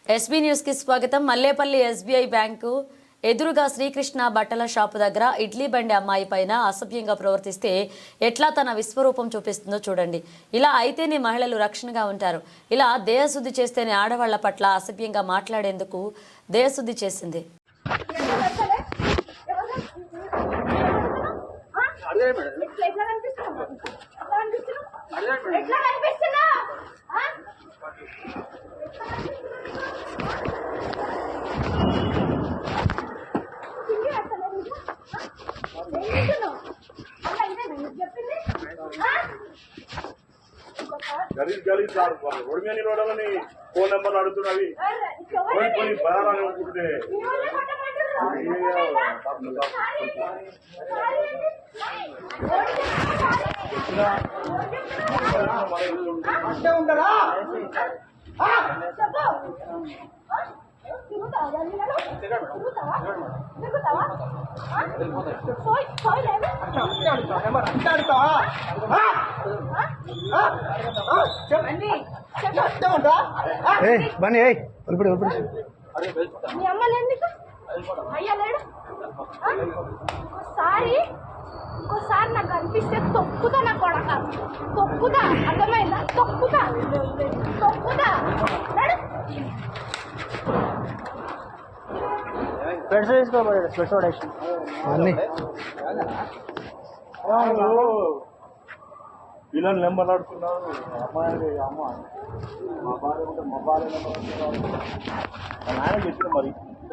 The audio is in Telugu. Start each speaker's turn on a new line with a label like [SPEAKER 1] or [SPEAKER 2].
[SPEAKER 1] ఎస్బీ న్యూస్ కి స్వాగతం. మల్లేపల్లి ఎస్బీఐ బ్యాంకు ఎదురుగా శ్రీకృష్ణ బట్టల షాపు దగ్గర ఇడ్లీ బండి అమ్మాయి పైన అసభ్యంగా ప్రవర్తిస్తే ఎట్లా తన విశ్వరూపం చూపిస్తుందో చూడండి. ఇలా అయితేనే మహిళలు రక్షణగా ఉంటారు. ఇలా దేహశుద్ధి చేస్తేనే ఆడవాళ్ల పట్ల అసభ్యంగా మాట్లాడేందుకు దేహశుద్ధి చేసింది.
[SPEAKER 2] गरीब रोड में नहीं फोन नंबर अभी बयान होते
[SPEAKER 3] బన్నీ ఇప్పుడు
[SPEAKER 4] ఇంకోసారి నాకు అనిపిస్తే తొక్కుతా, నా కొడక తొక్కుతా, అర్థమైందా? తొక్కుతా
[SPEAKER 3] స్పెట్స్ తీసుకోబడి స్పెట్స్ పడేసి
[SPEAKER 2] పిల్లలు నెంబర్ ఆడుతున్నారు. అమ్మాయి అమ్మ మా భార్య ఉంటే మా భార్య నెంబర్ ఆడుతున్నారు. ఆయన చెప్పిన మరి